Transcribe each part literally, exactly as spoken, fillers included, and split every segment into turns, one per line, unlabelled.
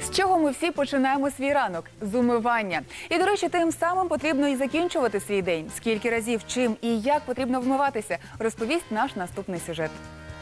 З чого ми всі починаємо свій ранок? З умивання. І, до речі, тим самим потрібно і закінчувати свій день. Скільки разів, чим і як потрібно вмиватися, розповість наш наступний сюжет.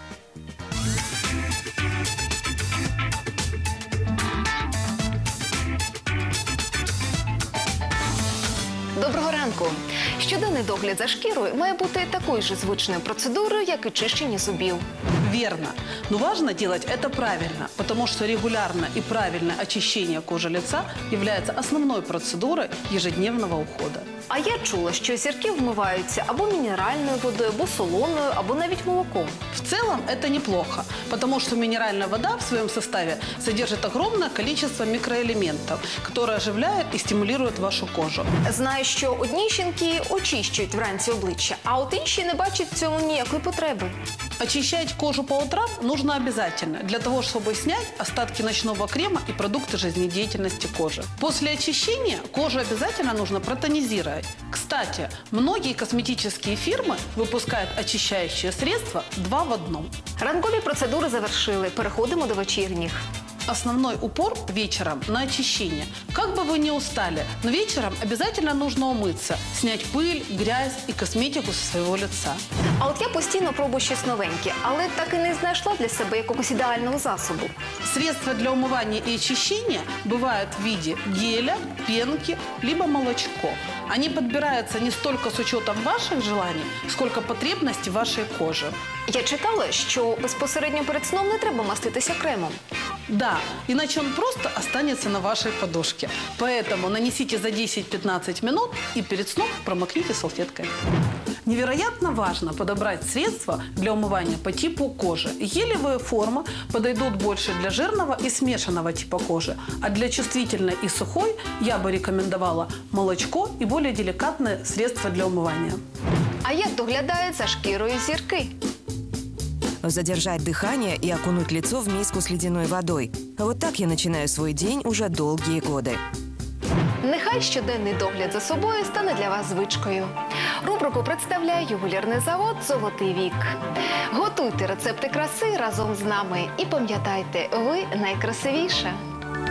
Доброго ранку! Щоденний догляд за шкірою має бути такою ж звичною процедурою, як і чищення зубів.
Верно. Но важно делать это правильно, потому что регулярное и правильное очищение кожи лица является основной процедурой ежедневного ухода.
А я чула, що зірки вмиваються або мінеральною водою, або солоною, або навіть молоком.
В целом это неплохо, потому что минеральная вода в своем составе содержит огромное количество микроэлементов, которые оживляют и стимулируют вашу кожу.
Знаю, що одні жінки очищують вранці обличчя, а от інші не бачать в цьому ніякої потреби.
Очищать кожу по утрам нужно обязательно, для того, чтобы снять остатки ночного крема и продукты жизнедеятельности кожи. После очищения кожу обязательно нужно протонизировать. Кстати, многие косметические фирмы выпускают очищающие средства два в одном.
Ранкові процедури завершили. Переходимо до вечірніх.
Основной упор вечером на очищение. Как бы вы ни устали, но вечером обязательно нужно умыться, снять пыль, грязь и косметику со своего лица.
А от я постійно пробую щось новеньке, але так і не знайшла для себе якогось ідеального засобу.
Средства для умывания и очищения бывают в виде геля, пенки, либо молочко. Они подбираются не столько с учетом ваших желаний, сколько потребностей вашей кожи.
Я читала, що безпосередньо перед сном не треба маститися кремом.
Да, иначе он просто останется на вашей подушке. Поэтому нанесите за десять-пятнадцать минут и перед сном промокните салфеткой. Невероятно важно подобрать средства для умывания по типу кожи. Гелевые формы подойдут больше для жирного и смешанного типа кожи, а для чувствительной и сухой я бы рекомендовала молочко и более деликатные средства для умывания.
А як доглядають за шкірою зірки?
Задержать дыхание и окунуть лицо в миску с ледяной водой. Вот так я начинаю свой день уже долгие годы.
Нехай щоденний догляд за собою стане для вас звичкою. Рубрику представляє ювелірний завод «Золотий вік». Готуйте рецепти краси разом з нами і пам'ятайте, ви найкрасивіша.